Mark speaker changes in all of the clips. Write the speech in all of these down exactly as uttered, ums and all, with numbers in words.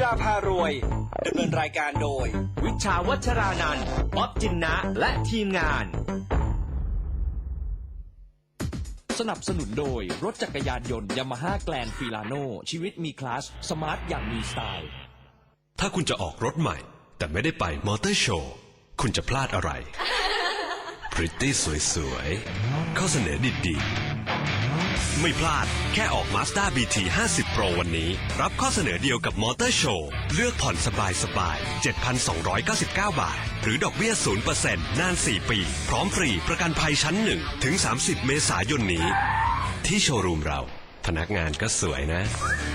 Speaker 1: ฬาพารวยดำเนินรายการโดยวิชาวัชรานันท์ป๊อบจินนะและทีมงานสนับสนุนโดยรถจักรยานยนต์ยามาฮ่าแกลนฟิลาโนชีวิตมีคลาสสมาร์ทอย่างมีสไตล์
Speaker 2: ถ้าคุณจะออกรถใหม่แต่ไม่ได้ไปมอเตอร์โชว์คุณจะพลาดอะไร พริตตี้สวยๆข้อเสนอดีๆไม่พลาดแค่ออก Mazda บี ที ห้าสิบ Pro วันนี้รับข้อเสนอเดียวกับมอเตอร์โชว์เลือกผ่อนสบายๆ เจ็ดพันสองร้อยเก้าสิบเก้า บาทหรือดอกเบี้ย ศูนย์เปอร์เซ็นต์ นาน สี่ ปีพร้อมฟรีประกันภัยชั้นหนึ่งถึงสามสิบเมษายนนี้ที่โชว์รูมเราพนักงานก็สวยนะ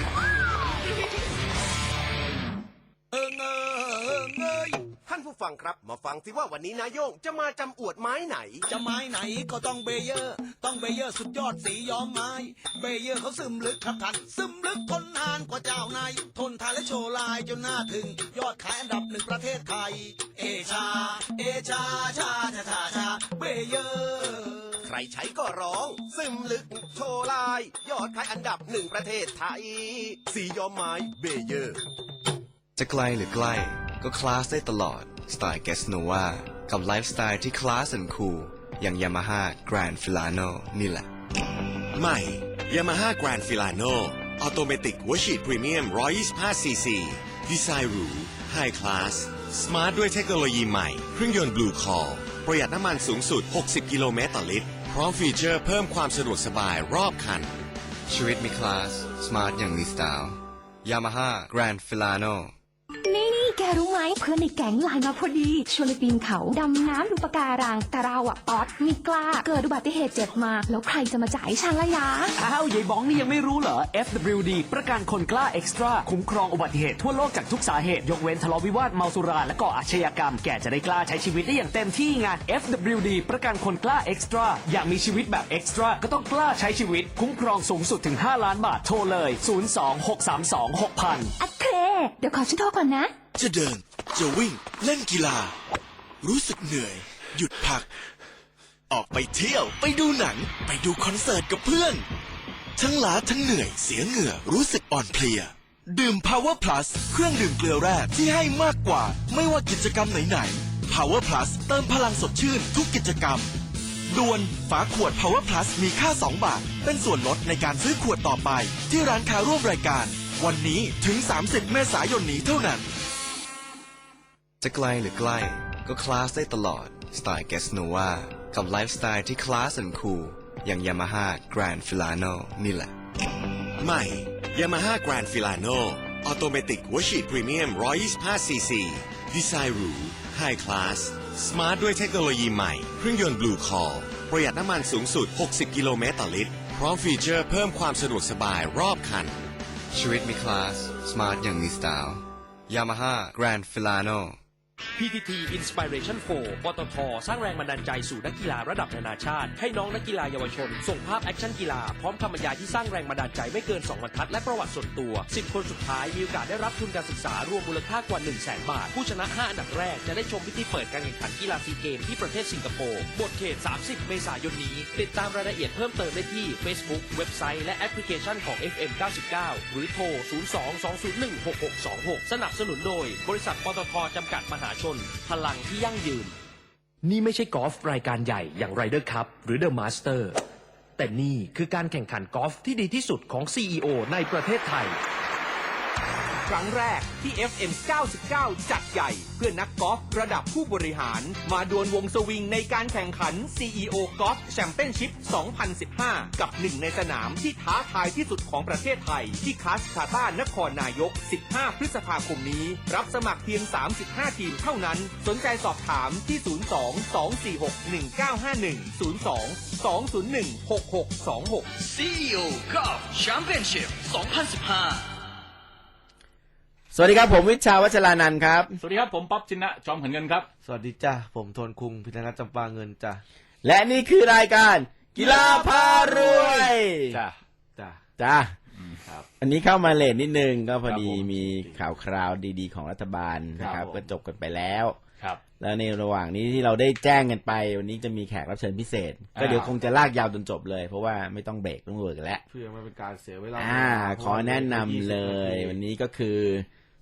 Speaker 3: ท่านผู้ฟังครับมาฟังสิว่าวันนี้นายโย่งจะมาจำอวดไม้ไหน
Speaker 4: จะไม้ไหนก็ต้องเบเยอร์ต้องเบเยอร์สุดยอดสีย้อมไม้เบเยอร์เขาซึมลึกครับท่านซึมลึกทนนานกว่าเจ้านายทนทานและโชว์ลายจนน่าถึงยอดขายอันดับหนึ่งประเทศไทยเอชาเอชาชาชาชาชาเบเยอร์
Speaker 3: ใครใช้ก็ร้องซึมลึกโชว์ลายยอดขายอันดับหนึ่งประเทศไทยสีย้อมไม้เบเยอร์
Speaker 5: จะไกลหรือใกล้ก็คลาสได้ตลอดสไตล์เกสโนวากับไลฟ์สไตล์ที่คลาสและคูลอย่าง Yamaha Grand Filano นี่แหละ
Speaker 3: ใหม่ Yamaha Grand Filano ออโตเมติกหัวฉีดพรีเมียมหนึ่งร้อยยี่สิบห้าซีซีดีไซน์หรูไฮคลาสสมาร์ทด้วยเทคโนโลยีใหม่เครื่องยนต์ Blue Call ประหยัดน้ำมันสูงสุดหกสิบกิโลเมตรต่อลิตรพร้อมฟีเจอร์เพิ่มความสะดวกสบายรอบคัน
Speaker 5: ชีวิตมีคลาสสมาร์ทอย่างมีสไตล์ Yamaha Grand Filano
Speaker 6: นี่นี่แกรู้ไหมเพื่อนในแก๊งไลน์มาพอดีชวนไปปีนเขาดำน้ำดูปะการังแต่เราอะป๊อตไม่กล้าเกิดอุบัติเหตุเจ็บมาแล้วใครจะมาจ่ายฉันละยะ
Speaker 1: อ้าวยายบ้องนี่ยังไม่รู้เหรอ เอฟ ดับเบิลยู ดี ประกันคนกล้าเอ็กซ์ตร้าคุ้มครองอุบัติเหตุทั่วโลกจากทุกสาเหตุยกเว้นทะเลาะวิวาทเมาสุราและก่ออาชญากรรมแกจะได้กล้าใช้ชีวิตได้อย่างเต็มที่ไง เอฟ ดับเบิลยู ดี ประกันคนกล้าเอ็กซ์ตร้าอยากมีชีวิตแบบเอ็กซ์ตร้าก็ต้องกล้าใช้ชีวิตคุ้มครองสูงสุดถึงห้าล้านบาทโทรเลยศูนย์ สอง หก สาม สอง หก ศูนย์ ศูนย์
Speaker 6: โอเคเดี๋ยวขอฉันโทรก่อนนะ
Speaker 7: จะเดินจะวิ่งเล่นกีฬารู้สึกเหนื่อยหยุดพักออกไปเที่ยวไปดูหนังไปดูคอนเสิร์ตกับเพื่อนทั้งล้าทั้งเหนื่อยเสียเหงื่อรู้สึกอ่อนเพลียดื่ม Power Plus เครื่องดื่มเกลือแร่ที่ให้มากกว่าไม่ว่ากิจกรรมไหนๆ Power Plus เติมพลังสดชื่นทุกกิจกรรมด่วนฝาขวด Power Plus มีค่าสองบาทเป็นส่วนลดในการซื้อขวดต่อไปที่ร้านค้าร่วมรายการวันนี้ถึงสามสิบเมษายนนี้เท่านั้น
Speaker 5: จะไกลหรือใกล้ก็คลาสได้ตลอดสไตล์เกสโนวากับไลฟ์สไตล์ที่คลาสและคูลอย่าง Yamaha Grand Filano นี่แหละ
Speaker 3: ใหม่ Yamaha Grand Filano ออโตเมติกหัวฉีดพรีเมียมหนึ่งร้อยยี่สิบห้าซีซีดีไซน์หรูไฮคลาสสมาร์ทด้วยเทคโนโลยีใหม่เครื่องยนต์ Blue Call ประหยัดน้ำมันสูงสุดหกสิบกิโลเมตรต่อลิตรพร้อมฟีเจอร์เพิ่มความสะดวกสบายรอบคัน
Speaker 5: ชีวิตมีคลาสสมาร์ทอย่างมีสไตล์ Yamaha Grand Filano
Speaker 1: พี ที ที Inspiration โฟร์ ปตท.สร้างแรงบันดาลใจสู่นักกีฬาระดับนานาชาติให้น้องนักกีฬาเยาวชนส่งภาพแอคชั่นกีฬาพร้อมคำบรรยายที่สร้างแรงบันดาลใจไม่เกินสองบรรทัดและประวัติส่วนตัวสิบคนสุดท้ายมีโอกาสได้รับทุนการศึกษารวมมูลค่ากว่า หนึ่งแสน บาทผู้ชนะห้าอันดับแรกจะได้ชมพิธีเปิดการแข่งขันกีฬาซีเกมที่ประเทศสิงคโปร์หมดเขตสามสิบเมษายนนี้ติดตามรายละเอียดเพิ่มเติมได้ที่ Facebook เว็บไซต์และแอปพลิเคชันของ เอฟ เอ็ม เก้าสิบเก้า หรือโทร ศูนย์ สอง สอง ศูนย์ หนึ่ง หก หก สอง หก สนับสนุนโดยบริษัทปตท.จำกัดมหาชนพลังที่ยั่งยืนนี่ไม่ใช่กอล์ฟรายการใหญ่อย่าง Ryder Cup หรือ The Master แต่นี่คือการแข่งขันกอล์ฟที่ดีที่สุดของ ซี อี โอ ในประเทศไทยครั้งแรกที่ เอฟ เอ็ม เก้าสิบเก้า จัดใหญ่เพื่อนักกอล์ฟระดับผู้บริหารมาดวลวงสวิงในการแข่งขัน ซี อี โอ Golf Championship สองพันสิบห้า กับหนึ่งในสนามที่ท้าทายที่สุดของประเทศไทยที่คาสคาต้านครนายกสิบห้าพฤษภาคมนี้รับสมัครเพียงสามสิบห้าทีมเท่านั้นสนใจสอบถามที่ ศูนย์ สอง สอง สี่ หก หนึ่ง เก้า ห้า หนึ่ง ศูนย์ สอง สอง ศูนย์ หนึ่ง หก หก สอง หก
Speaker 8: ซี อี โอ Golf Championship สองพันสิบห้า
Speaker 9: สวัสดีครับผมวิชาวัชรานันท์ครับ
Speaker 10: สวัสดีครับผมป๊อบจินนะจอมเหินเงินครับ
Speaker 11: สวัสดีจ้าผมโทนคุงพิธนัทจำปาเงินจ้า
Speaker 9: และนี่คือรายการกีฬาพารวย
Speaker 10: จ้าจ้า
Speaker 9: จ้าครับอันนี้เข้ามาเลทนิดนึงก็พอดีมีข่าวคราวดีๆของรัฐบาลนะครับก็จบกันไปแล้ว
Speaker 10: ครับ
Speaker 9: แล้วในระหว่างนี้ที่เราได้แจ้งกันไปวันนี้จะมีแขกรับเชิญพิเศษก็เดี๋ยวคงจะลากยาวจนจบเลยเพราะว่าไม่ต้องเบรกต้องเวิร์กกันแล้ว
Speaker 11: เพื่อไม่เป็นการเสียเวลา
Speaker 9: อ่าขอแนะนำเลยวันนี้ก็คือ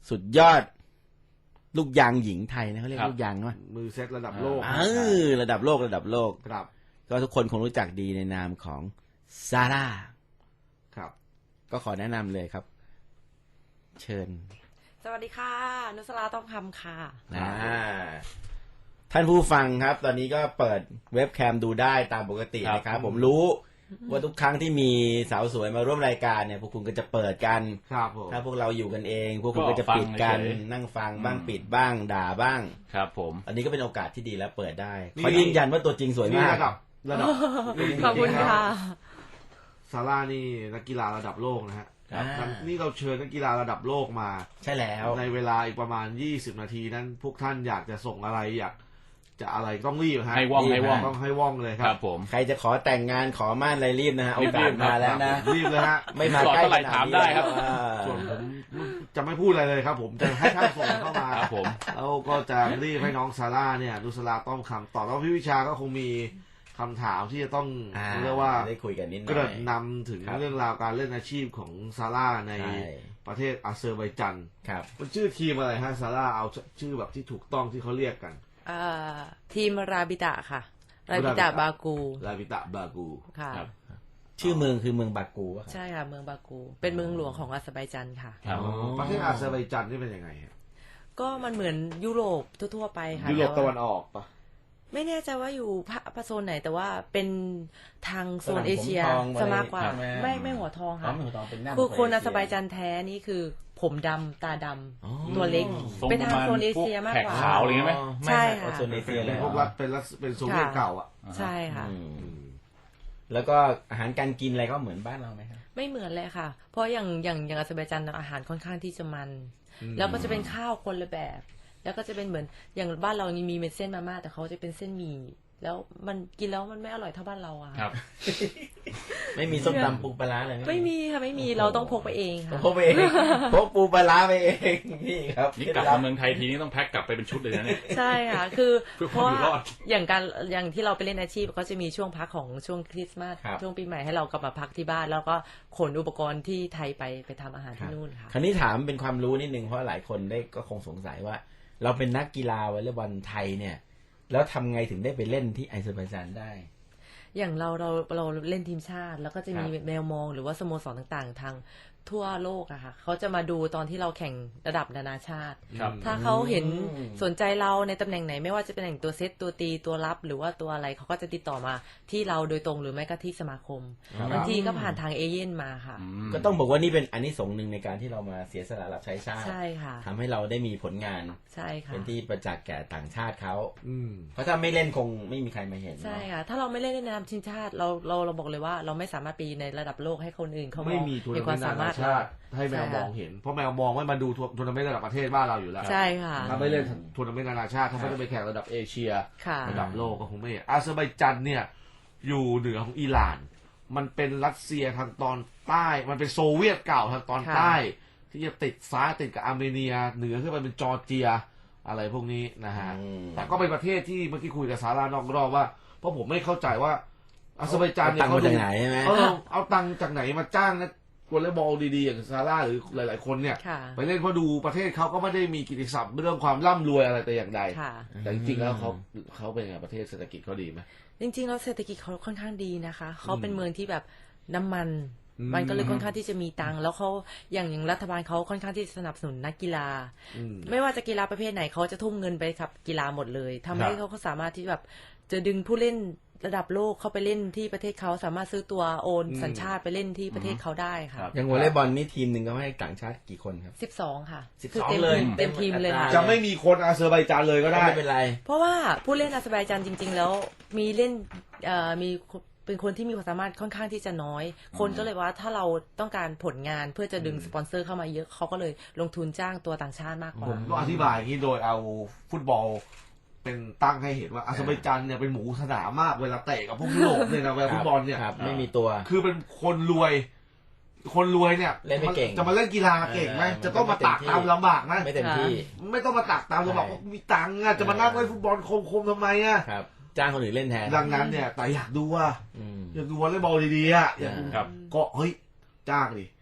Speaker 9: สุดยอด ลูกยางหญิงไทยนะเขาเรียก
Speaker 10: ครับ
Speaker 9: ลูกยางว่า
Speaker 11: มือเซตระดับโลก
Speaker 9: เออระดับโลกระดับโลก
Speaker 11: ครับ
Speaker 9: ก็ทุกคนคงรู้จักดีในนามของซาร่า
Speaker 11: ครับ
Speaker 9: ก็ขอแนะนำเลยครับ เชิญ
Speaker 12: สวัสดีค่ะ นุสราต้องคำค่ะ
Speaker 9: อ่าท่านผู้ฟังครับ ตอนนี้ก็เปิดเว็บแคมดูได้ตามปกติ
Speaker 10: ครับ
Speaker 9: นะครับ ผมรู้ว่าทุกครั้งที่มีสาวสวยมาร่วมรายการเนี่ยพวกคุณก็จะเปิดกัน
Speaker 11: ครับผม
Speaker 9: ถ้าพวกเราอยู่กันเอง พวกคุณก็จะปิดกัน
Speaker 10: ก็ฟังเฉย
Speaker 9: นั่งฟังบ้างปิดบ้างด่าบ้าง
Speaker 10: ครับผม
Speaker 9: อันนี้ก็เป็นโอกาสที่ดีแล้วเปิดได้
Speaker 11: นี่
Speaker 9: ขอยืนยันว่าตัวจริงสวย
Speaker 11: นี่
Speaker 9: มาก
Speaker 11: ระดับระดับ
Speaker 12: ขอบคุณค่ะ
Speaker 11: ซาร่านี่นักกีฬาระดับโลกนะฮะ
Speaker 9: อ่า
Speaker 11: นี่เราเชิญนักกีฬาระดับโลกมา
Speaker 9: ใช่แล้ว
Speaker 11: ในเวลาอีกประมาณยี่สิบนาทีนั้น พวกท่านอยากจะส่งอะไรอยากจะอะไรต้องรีบฮะ
Speaker 10: ให้ว่องให้ว่อง
Speaker 11: ต้องให้ว่องเลยค
Speaker 10: ค
Speaker 11: รั
Speaker 10: รั
Speaker 11: บบ
Speaker 10: ผม
Speaker 9: ใครจะขอแต่งงานขอม่านอะไรรีบนะฮะโอ
Speaker 10: รีบ
Speaker 9: กาสมาแล้วนะ
Speaker 11: รีบเลยฮะ
Speaker 9: ไม่มาใกล้
Speaker 10: เท่าไหร่
Speaker 9: ขน
Speaker 10: ถาม
Speaker 9: นี้
Speaker 10: ได้ครับ
Speaker 9: อ่า
Speaker 11: ส่วนผมจะไม่พูดอะไรเลยครับ ผมจะให้ท่านส่งเข้ามา
Speaker 10: ครับผม
Speaker 11: แล้วก็จะรีบให้น้องซาร่าเนี่ยนุสราต้องคำตอบแล้วพี่วิชาก็คงมีคำถามที่จะต้อง
Speaker 9: อ่า
Speaker 11: เรียกว่า
Speaker 9: ได้คุยกันนิดหน่
Speaker 11: เก
Speaker 9: อ
Speaker 11: ริ่
Speaker 9: ย
Speaker 11: นนำถึง
Speaker 9: ครับ
Speaker 11: เรื่องราวการเล่นอาชีพของซาร่าใน
Speaker 9: ใช่
Speaker 11: ประเทศอาเซอร์ไบจัน
Speaker 9: ครับ
Speaker 11: มันชื่อทีมอะไรฮะซาร่าเอาชื่อแบบที่ถูกต้องที่เขาเรียกกัน
Speaker 12: เอ่อทีมราบิตะค่ะ ราบิตะบากู
Speaker 11: ลาวิตะบากู
Speaker 12: ค่ะ
Speaker 10: ครับ
Speaker 9: ชื่อเมืองคือเมืองบากูอะครับ
Speaker 12: ใช่ค่ะ เมืองบากู เป็นเมืองหลวงของอาเซอร์ไบจันค่ะ
Speaker 10: ครับ
Speaker 9: อ๋อ
Speaker 11: ประเทศอาเซอร์ไบจันนี่เป็นยังไงฮะ
Speaker 12: ก็มันเหมือนยุโรปทั่วๆไปค่ะ
Speaker 11: ยุโรป
Speaker 12: แ
Speaker 11: ตะวันออกปะ
Speaker 12: ไม่แน่ใจว่าอยู่ภาคโซนไหน แต่ว่าเป็นทางโซน
Speaker 9: ฝรั่ง
Speaker 12: เอเชีย
Speaker 9: ผมทอง
Speaker 12: ซะมากกว่า
Speaker 9: ครับ
Speaker 12: ไม่ไม่หัวทอง
Speaker 9: อ๋อ
Speaker 12: ค่ะ
Speaker 9: ไม่หัวทองเป็นหน้า
Speaker 12: คือคน
Speaker 9: ของ
Speaker 12: อาเซอร์ไบ
Speaker 9: เอเชีย
Speaker 12: จันแท้นี่คือผมดำตาดำ
Speaker 9: อ๋อ
Speaker 12: ตัวเล็ก
Speaker 10: ทรง
Speaker 12: เป็น
Speaker 10: ประ
Speaker 12: ทาง
Speaker 10: มาณ
Speaker 12: โซนเอ
Speaker 10: พวก
Speaker 12: เชียมาก
Speaker 10: แขก
Speaker 12: กว่า
Speaker 10: ขาวอะไรเงี้ยไหม
Speaker 12: ใช่ค่ะ
Speaker 9: โซนเอเชีย
Speaker 11: เป็
Speaker 9: เล
Speaker 11: น
Speaker 9: ย
Speaker 11: พวกรัฐเป็นรัฐเป็นโซเวียตเก่าอ่ะ
Speaker 12: ใช่ค่ะ
Speaker 9: อืมแล้วก็อาหารการกินอะไรก็เหมือนบ้านเราไหมครับ
Speaker 12: ไม่เหมือนเลยค่ะ เพราะอย่างอย่างอย่างอาเซอร์ไบจันอาหารค่อนข้างที่จะมัน
Speaker 11: อืม
Speaker 12: แล้วก็จะเป็นข้าวคนละแบบ แล้วก็จะเป็นเหมือนอย่างบ้านเรานี่มีเป็นเส้นมาม่าแต่เขาจะเป็นเส้นหมี่แล้วมันกินแล้วมันไม่อร่อยเท่าบ้านเราอะ
Speaker 10: ครับ
Speaker 9: ไม่มีส้มตำปูปลาร้าเลย
Speaker 12: ไม่มีค่ะไม่มีเราต้องพกไปเองค่ะ
Speaker 9: พกไปเองพกปูปลาร้าไปเองนี่ครับ
Speaker 10: นี่กลับมาเมืองไทยทีนี้ต้องแพ็คกลับไปเป็นชุดเลยนะเนี่ย
Speaker 12: ใช่ค่ะ คือ
Speaker 10: เพื่อ
Speaker 12: เพ
Speaker 10: ความ
Speaker 12: ราะ
Speaker 10: อยู่รอ
Speaker 12: ว่า
Speaker 10: ด
Speaker 12: อย่างการอย่างที่เราไปเล่นอาชีพก็จะมีช่วงพักของช่วงคริสต์มาส
Speaker 9: ครับ
Speaker 12: ช่วงปีใหม่ให้เรากลับมาพักที่บ้าน แล้วก็ขนอุปกรณ์ที่ไทยไปไปทำอาหารที่นู่นค่ะ
Speaker 9: คราวนี้ถามเป็นความรู้นิดนึงเพราะหลายคนได้ก็คงสงสัยว่า เราเป็นนักกีฬาวอลเลย์บอลไทยเนี่ย แล้วทำไงถึงได้ไปเล่นที่อาเซอร์ไบจานได้
Speaker 12: อย่างเราเราเราเล่นทีมชาติ แล้วก็จะมี
Speaker 9: ครับ
Speaker 12: แมวมองหรือว่าสโมสรต่างๆ ทางทั่วโลกอะค่ะเขาจะมาดูตอนที่เราแข่งระดับนานาชาติ
Speaker 10: ครับ
Speaker 12: ถ้าเขาเห็น
Speaker 9: อืม
Speaker 12: สนใจเราในตำแหน่งไหน ไม่ว่าจะเป็นตำแหน่งตัวเซตตัวตีตัวรับ หรือว่าตัวอะไรเขาก็จะติดต่อมาที่เราโดยตรงหรือไม่ก็ที่สมาคม
Speaker 9: ครับ
Speaker 12: บางทีก็ผ่านทางเอเย่นมาค่ะ
Speaker 9: ก็ต้องบอกว่านี่เป็นอันนี้สงส์หนึ่งในการที่เรามาเสียสละรับใช้ชาติ
Speaker 12: ใช่ค่ะ
Speaker 9: ทำให้เราได้มีผลงาน
Speaker 12: ใช่ค่ะ
Speaker 9: เป็นที่ประจักษ์แก่ต่างชาติเขา
Speaker 11: อืม
Speaker 9: เพราะถ้าไม่เล่นคงไม่มีใครมาเห็น
Speaker 12: ใช่
Speaker 9: เนาะ
Speaker 12: ค่ะ ถ้าเราไม่เล่นในนามทีมชาติเราเราเราบอกเลยว่าเราไม่สามารถไปในระดับโลกให้คนอื่นเขา
Speaker 11: ไม่มีทัวร์
Speaker 12: เห็น
Speaker 11: นา
Speaker 12: ค
Speaker 11: เม
Speaker 12: วาน ม
Speaker 11: ต์
Speaker 12: สา
Speaker 11: นา
Speaker 12: มา
Speaker 11: นา
Speaker 12: รถ
Speaker 11: ชาติให้แมวมองเห็น เพราะแมวมองไม่มาดูทัวร์นาเมนต์ระดับประเทศบ้านเราอยู่แล้ว
Speaker 12: ใช่ค่ะ
Speaker 11: ถ้าไม่เล่นทัวร์นาเมนต์นานาชาติถ้าไม่ได้ไปแข่งระดับเอเชีย
Speaker 12: ค่ะ
Speaker 11: ระดับโลกก็คงไม่เห็นอาเซอร์ไบจันเนี่ย อยู่เหนือของอิหร่าน มันเป็นรัสเซียทางตอนใต้ มันเป็นโซเวียตเก่าทางตอนใต้ ที่จะติดซ้ายติดกับอาร์เมเนีย เหนือขึ้นไปเป็นจอร์เจียอะไรพวกนี้นะฮะ
Speaker 9: อืม
Speaker 11: แต่ก็เป็นประเทศที่เมื่อกี้คุยกับซารานอกรอบว่า เพราะผมไม่เข้าใจว่าอาเซอร์ไบจานเนี่ย
Speaker 9: เอาตังค์มาจากไหนใช่ไหม
Speaker 11: เออเอาตังค์จากไหนมาจ้างนะวอลเลย์บอลดีๆอย่างซาร่าหรือหลาย ๆ คนเนี่ย
Speaker 12: ค่ะ
Speaker 11: ไปเล่นเพราะดูประเทศเขาก็ไม่ได้มีกิตติศัพท์เรื่องความร่ำรวยอะไรแต่อย่างใด
Speaker 12: ค่ะ
Speaker 11: แต่จริงๆแล้วเขาเขาเป็นไงประเทศเศรษฐกิจเขาดีไหม
Speaker 12: จริงๆแล้วเศรษฐกิจเขาค่อนข้างดีนะคะเขาเป็นเมืองที่แบบน้ำมัน
Speaker 11: อืม
Speaker 12: มันก็เลยค่อนข้างที่จะมีตังค์แล้วเขาอย่างอย่างรัฐบาลเขาค่อนข้างที่จะสนับสนุนนักกีฬา
Speaker 11: อืม
Speaker 12: ไม่ว่าจะกีฬาประเภทไหนเขาจะทุ่มเงินไปกับกีฬาหมดเลยทำให้
Speaker 11: ครับ
Speaker 12: เขาเขาสามารถที่แบบจะดึงผู้เล่นระดับโลกเข้าไปเล่นที่ประเทศเขาสามารถซื้อตัวโอนสัญชาติไปเล่นที่ประเทศเขาได้ค่ะ
Speaker 9: อย่างวอลเลย์บอลนี่ทีมหนึ่งก็ให้ต่างชาติกี่คนครับ
Speaker 12: สิบสองค่ะ
Speaker 9: สิบ
Speaker 12: คื
Speaker 9: สอง
Speaker 12: เต็ม
Speaker 9: เลย
Speaker 12: เต็มทีมเลยค่ะ
Speaker 11: จะไม่มีคนอาเซอร์ไบจานเลยก็ได้
Speaker 9: ไม่เป็นไร
Speaker 12: เพราะว่าผู้เล่นอาเซอร์ไบจานจริง ๆ แล้วมีเล่นเอ่อมีเป็นคนที่มีความสามารถค่อนข้างที่จะน้อย คนก็เลยว่าถ้าเราต้องการผลงานเพื่อจะดึงสปอนเซอร์เข้ามาเยอะเขาก็เลยลงทุนจ้างตัวต่างชาติมากก
Speaker 11: ผ
Speaker 12: ว่า
Speaker 11: มต้องอธิบายอย่างนี้โดยเอาฟุตบอล เป็นตั้งให้เห็นว่าอาเซอร์ไบจานเนี่ยเป็นหมูสนามมากเวลาเตะกับพวกยุโรปเนี่ยนะเวลาฟุตบอลเนี่ย
Speaker 9: ครับไม่มีตัว
Speaker 11: คือเป็นคนรวย คนรวยเนี่ย
Speaker 9: เล่นไม่เก่ง
Speaker 11: จะมาเล่นกีฬาเก่งไหม
Speaker 9: เออ
Speaker 11: จะต้องมาตักตามลำบากนะ
Speaker 9: ไม่เต็มที่
Speaker 11: ไม่ต้องมาตักตามลำบากเพราะมีตังค์อะจะมานั่งเล่นฟุตบอลคมๆทำไมอะ
Speaker 9: ครับ จ้างคนอื่นเล่นแทน
Speaker 11: ดังนั้นเนี่ยแต่อยากดูว่า
Speaker 9: อืม
Speaker 11: อยากดูวอลเลย์บอลดีๆอะอยากดู
Speaker 10: ครับ
Speaker 11: ก็เฮ้ยจ้างดิ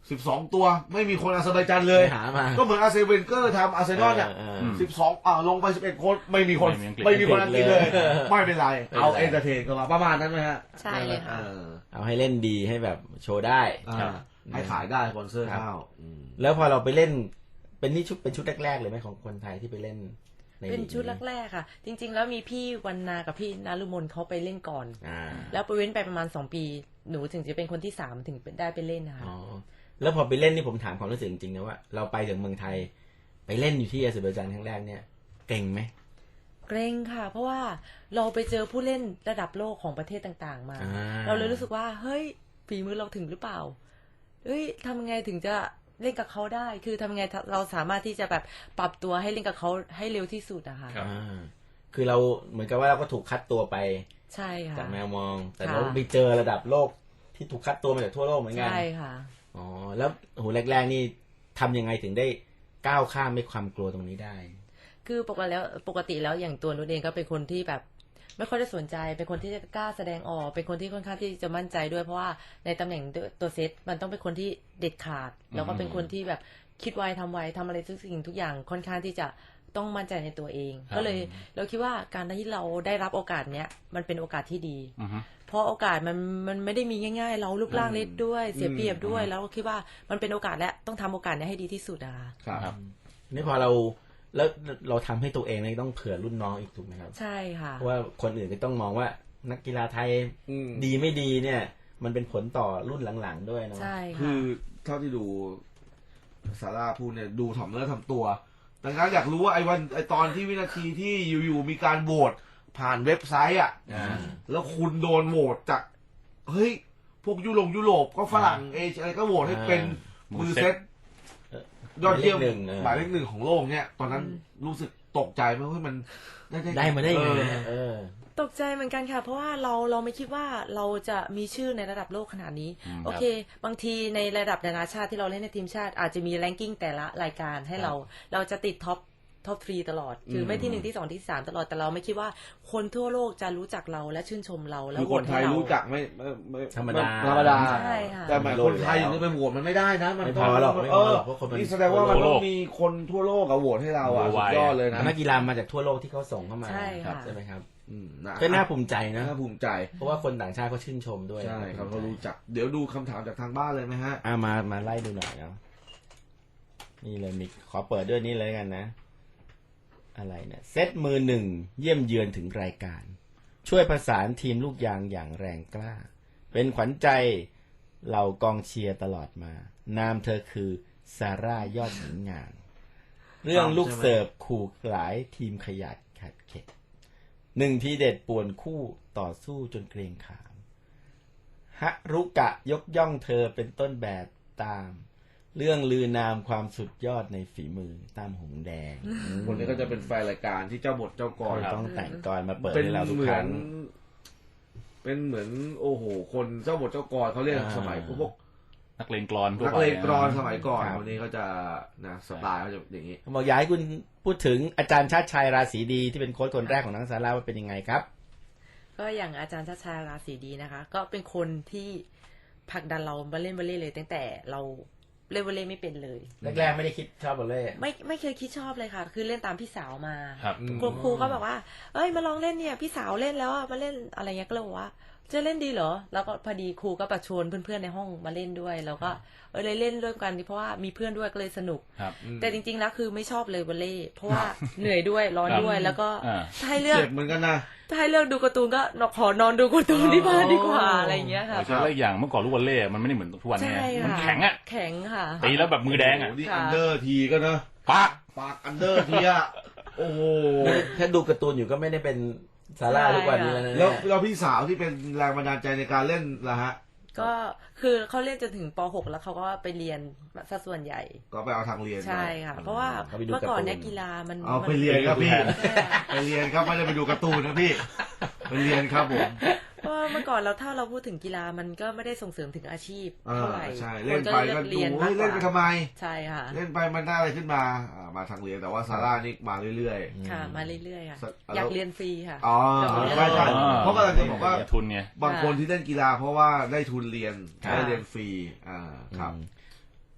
Speaker 11: สิบสองตัวไม่มีคนอาเซอร์ไบจานเลย
Speaker 9: หามา
Speaker 11: ก็เหมือนอาร์เซนเวนเกอร์ทำอาร์เซนอลเนี่ย
Speaker 9: เออ
Speaker 11: สิบสองอ่าลงไปสิบเอ็ดคนไม่มีคน
Speaker 10: ไม่มีอังกฤษ
Speaker 11: ไม่มีคนอังกฤษเลย
Speaker 9: เออ
Speaker 11: ไม่เป็นไร
Speaker 9: ไม่เป็นไร
Speaker 11: เอาเอนเตอร์เทนกันมาประมาณนั้นไหมฮะ
Speaker 12: ใช่เลยค่ะ
Speaker 11: เออ
Speaker 9: เอาให้เล่นดีให้แบบโชว์ได้
Speaker 11: อ่าให้ขายได้สปอนเซอร์
Speaker 9: ครับ
Speaker 11: เข้าอืม
Speaker 9: แล้วพอเราไปเล่นเป็นนี่ชุดเป็นชุดแรกๆเลยไหมของคนไทยที่ไปเล่นใน
Speaker 12: เป็นชุด
Speaker 9: ลีก
Speaker 12: แรกๆค่ะ จริง ๆ แล้วมีพี่วันนากับพี่นารุมนเขาไปเล่นก่อน
Speaker 9: อ่า
Speaker 12: แล้วไปเว้นไปประมาณสองปีหนูถึงจะเป็นคนที่สามถึงได้ไปเล่นนะคะ
Speaker 9: อ๋อแล้วพอไปเล่นนี่ผมถามความรู้สึกจริงๆนะว่าเราไปถึงเมืองไทย ไปเล่นอยู่ที่อาเซอร์ไบจานครั้งแรกเนี่ยเก่งไหม
Speaker 12: เกรงค่ะ เพราะว่าเราไปเจอผู้เล่นระดับโลกของประเทศต่างๆ มา
Speaker 9: อ่า
Speaker 12: เราเลยรู้สึกว่าเฮ้ยฝีมือเราถึงหรือเปล่าเฮ้ยทำไงถึงจะเล่นกับเขาได้ คือทำไงเราสามารถที่จะแบบปรับตัวให้เล่นกับเขาให้เร็วที่สุดอะค่ะ
Speaker 9: อ่าคือเราเหมือนกับว่าเราก็ถูกคัดตัวไป
Speaker 12: ใช่ค่ะ
Speaker 9: จากแมวมอง แต่
Speaker 12: ค่ะ
Speaker 9: เราไปเจอระดับโลกที่ถูกคัดตัวมาจากทั่วโลกเหมือนกัน
Speaker 12: ใช่ค่ะ
Speaker 9: อ๋อแล้วโหแรกๆนี่ทำยังไงถึงได้ก้าวข้ามไม่ความกลัวตรงนี้ได้
Speaker 12: คือปกติแล้วปกติแล้วอย่างตัวนุชเองก็เป็นคนที่แบบไม่ค่อยได้สนใจ เป็นคนที่จะกล้าแสดงออก เป็นคนที่ค่อนข้างที่จะมั่นใจด้วยเพราะว่าในตำแหน่งตัวเซตมันต้องเป็นคนที่เด็ดขาด แล้วก็เป็นคนที่แบบคิดไวทำไวทำอะไรทุกสิ่งทุกอย่างค่อนข้างที่จะต้องมั่นใจในตัวเอง ก็เลยเราคิดว่าการที่เราได้รับโอกาสเนี้ยมันเป็นโอกาสที่ดี
Speaker 10: อือฮึ
Speaker 12: เพราะโอกาสมันมันไม่ได้มีง่ายๆ เรารูปร่างเล็กด้วยเสียเปรียบด้วย แล้วก็คิดว่ามันเป็นโอกาสและต้องทำโอกาสนี้ให้ดีที่สุดอะค่ะ
Speaker 11: ครับ
Speaker 9: นี่พอเราแล้วเราทำให้ตัวเองเนี่ยต้องเผื่อรุ่นน้องอีกถูกไหมครับ
Speaker 12: ใช่ค่ะ
Speaker 9: เพราะว่าคนอื่นก็ต้องมองว่านักกีฬาไทย
Speaker 11: อืม
Speaker 9: ดีไม่ดีเนี่ย มันเป็นผลต่อรุ่นหลังๆด้วยเนาะ
Speaker 12: ใช่
Speaker 11: คื
Speaker 12: ค่ะ
Speaker 11: อเท่าที่ดูซาร่าพูดเนี่ยดูถ่อมเนื้อถ่อมตัวดังนั้นอยากรู้ว่าไอ้วันไอ้ตอนที่วินาทีที่อยู่ๆมีการโหวตผ่านเว็บไซต์อ่ะ
Speaker 9: อ่า
Speaker 11: แล้วคุณโดนโหวตจากเฮ้ยพวกยุโรปยุโรปก็ฝรั่งเอเชียอะไรก็โหวตให้เป็นมือเซตยอดเยี่ยม
Speaker 9: หมายเลขหนึ่งเออ
Speaker 11: หมายเลขหนึ่งของโลกเนี่ยตอนนั้นรู้สึกตกใจไหมว่ามันได้
Speaker 9: ได้มาได้ยังไง
Speaker 11: เออ
Speaker 9: เนี่ยเออ
Speaker 12: ตกใจเหมือนกันค่ะ เพราะว่าเราเราไม่คิดว่าเราจะมีชื่อในระดับโลกขนาดนี้ โอเค บางทีในระดับนานาชาติที่เราเล่นในทีมชาติ อาจจะมีแรงกิ้งแต่ละรายการให้เรา เราจะติดท็อปท็อปทรีตลอด คือไม่ที่หนึ่งที่สองที่สามตลอด แต่เราไม่คิดว่าคนทั่วโลกจะรู้จักเราและชื่นชมเราและ
Speaker 11: คือ
Speaker 12: โห
Speaker 11: ค
Speaker 12: วน ต
Speaker 11: ไท
Speaker 12: ให้
Speaker 11: ย
Speaker 12: เรา
Speaker 11: รู้จักไม่ไม่ไม่
Speaker 9: ธรรมดา
Speaker 11: ธรรมดา
Speaker 12: ใช่ค่ะ
Speaker 11: แต่หมายคนไทยอย่างนี้ไปโหวตมันไม่ได้นะ มัน
Speaker 9: ไม่
Speaker 11: ต้
Speaker 9: พ
Speaker 11: อง
Speaker 9: อหรอกไม่
Speaker 11: เอ
Speaker 9: พอ
Speaker 11: อ
Speaker 9: หรอกเพราะคนมัน
Speaker 11: นี่แสดงว่ามัน
Speaker 10: ทั่วโล
Speaker 11: ต้อก งมีคนทั่วโลกอะโหวตให้เราอะสุดยอดเลยนะ
Speaker 9: นักกีฬามาจากทั่วโลกที่เขาส่งเข้ามา
Speaker 12: ใช่ค่ะ
Speaker 9: ใช่ไหมครับ
Speaker 11: อืมนะ
Speaker 9: ก็น่าภูมิใจนะ
Speaker 11: น่าภูมิใจ
Speaker 9: เพราะว่าคนต่างชาติเขาชื่นชมด้วย
Speaker 11: ใช่ครับเขารู้จัก เดี๋ยวดูคำถามจากทางบ้านเลยไหมฮะ
Speaker 9: อ่ามามาไล่ดูหน่อยเนาะนี่เลยมิกขอเปิดด้วยนี่เลยกันนะ อะไรเนี่ยเซตมือหนึ่งเยี่ยมเยือนถึงรายการ ช่วยประสานทีมลูกยางอย่างแรงกล้า เป็นขวัญใจเหล่ากองเชียร์ตลอดมา นามเธอคือซาร่ายอดหญิงงาม เรื่องลูกเสิร์ฟขู่หลายทีมขยัดขัดเข็ดหนึ่งทีเด็ดป่วนคู่ต่อสู้จนเกรงขามฮะรุกะยกย่องเธอเป็นต้นแบบตาม เรื่องลือนามความสุดยอดในฝีมือตามหงแดง
Speaker 11: คนนี้ก็จะเป็นแฟนรายการที่เจ้าบทเจ้ากร
Speaker 9: ต้องแต่งกรมาเปิด
Speaker 11: เป็น
Speaker 9: ให้เราทุก
Speaker 11: เหมื
Speaker 9: ค
Speaker 11: อ
Speaker 9: รั้
Speaker 11: น
Speaker 9: ง
Speaker 11: เป็นเหมือนโอ้โห คนเจ้าบทเจ้ากรเขาเรียก
Speaker 9: อ่า
Speaker 11: สมัยพวก
Speaker 10: นักเลงกลอนทั่ว
Speaker 11: นัก
Speaker 10: ไป
Speaker 11: เลงกรอนสมัยก่อน
Speaker 9: ครับ
Speaker 11: วันนี้เขาจะนะสไตล์เขาจะอย่างนี้
Speaker 9: บอกอยากให้คุณพูดถึงอาจารย์ชาติชัยราศีดีที่เป็นโค้ชคนแรกของนักซาร่าว่าเป็นยังไงครับ
Speaker 12: ก็อย่างอาจารย์ชาชาราศีดีนะคะ ก็เป็นคนที่ผลักดันเรามาเล่นวอลเลย์เลยตั้งแต่เราเล่นวอลเลย์ไม่เป็นเลย
Speaker 9: แรกๆไม่ได้คิดชอบบอลเล่
Speaker 12: ไม่ไม่เคยคิดชอบเลยค่ะ คือเล่นตามพี่สาวมา
Speaker 10: ครับ
Speaker 12: ครูครูก็แบบว่า เอ้ยมาลองเล่นเนี่ยพี่สาวเล่นแล้วอะมาเล่นอะไรเงี้ยก็เลยบอกว่าจะเล่นดีเหรอแล้วก็พอดีครูก็ประชวนเพื่อนๆในห้องมาเล่นด้วยแล้วก็เออเลยเล่นด้วยกันเพราะว่ามีเพื่อนด้วยก็เลยสนุก
Speaker 10: ครับ
Speaker 12: แต่จริงๆแล้วคือไม่ชอบเลยวอลเลย์เพราะว่าเหนื่อยด้วยร้อนด้วย แล้วก็
Speaker 10: อ่า
Speaker 12: ถ้าให้เลือก
Speaker 11: เจ็บเหมือนกันนะ
Speaker 12: ถ้าให้เลือกดูการ์ตูนก็ขอนอนดูการ์ตูนที่บ้านดีกว่าอะไรอย่างเงี้ยค่ะ
Speaker 10: ใช่แล้วอีกอย่างเมื่อก่อนลูกวอลเล่มันไม่ได้เหมือนทุกวันนี้
Speaker 12: ใช่
Speaker 10: มัน
Speaker 12: ค่ะ
Speaker 10: แข็งอ่ะ
Speaker 12: แข็งค่ะ
Speaker 10: ตีแล้วแบบมือแดงอ่ะ
Speaker 11: โโหนี่
Speaker 12: ค่ะ
Speaker 11: อันเดอร์ทีก็นะ
Speaker 10: ปาก
Speaker 11: ปากอันเดอร์ทีอะโอ้โห
Speaker 9: ถ้าดูการ์ตูนอยู่ก็ไม่ได้เป็นซาร่าทุกวันนี้แล้วนะ
Speaker 11: แล้วแล้วพี่สาวที่เป็นแรงบันดาลใจในการเล่นล่ะฮะ
Speaker 12: ก็คือเขาเล่นจนถึงป หก แล้วเขาก็ไปเรียนซะส่วนใหญ่
Speaker 11: ก็ไปเอาทางเรียน
Speaker 12: ใช่ค่ะ เพราะว่าเมื่อก่อนเนี่ยกีฬามัน
Speaker 11: เอาไป
Speaker 12: มัน
Speaker 11: เรียนครับพี่
Speaker 12: ใช่ค่ะ
Speaker 11: ไปเรียนครับไม่ได้ไปดูการ์ตูนนะพี่ไปเรียนครับผม
Speaker 12: เพราะว่าเมื่อก่อนเราถ้าเราพูดถึงกีฬามันก็ไม่ได้ส่งเสริมถึงอาชีพ
Speaker 11: อ่า
Speaker 12: เท่าไหร่
Speaker 11: ใช่
Speaker 12: ค
Speaker 11: เล่น
Speaker 12: ก็
Speaker 11: ไป
Speaker 12: เลื
Speaker 11: ก็
Speaker 12: อก
Speaker 11: ดู
Speaker 12: เรียน
Speaker 11: เฮ้
Speaker 12: มาก
Speaker 11: ย
Speaker 12: ก
Speaker 11: เล่นไป
Speaker 12: ว่า
Speaker 11: ทำไม
Speaker 12: ใช่ค่ะ
Speaker 11: เล่นไปมันได้อะไรขึ้นมาอ่ามาทางเรียนแต่ว่าซาร่านี่มาเรื่อย
Speaker 12: ค่ะมาเรื่อยๆค่ะ
Speaker 11: สัก
Speaker 12: อยากเรียนฟรีค่ะ
Speaker 11: ๆอ๋อไม่ใช่เพราะกำลังจะบอกว่า
Speaker 10: ทุนไง
Speaker 11: บางคนที่เล่นกีฬาเพราะว่าได้ทุนเรียน
Speaker 12: ค่ะ
Speaker 11: ได้เรียนฟรีอ่าครับ
Speaker 9: อืม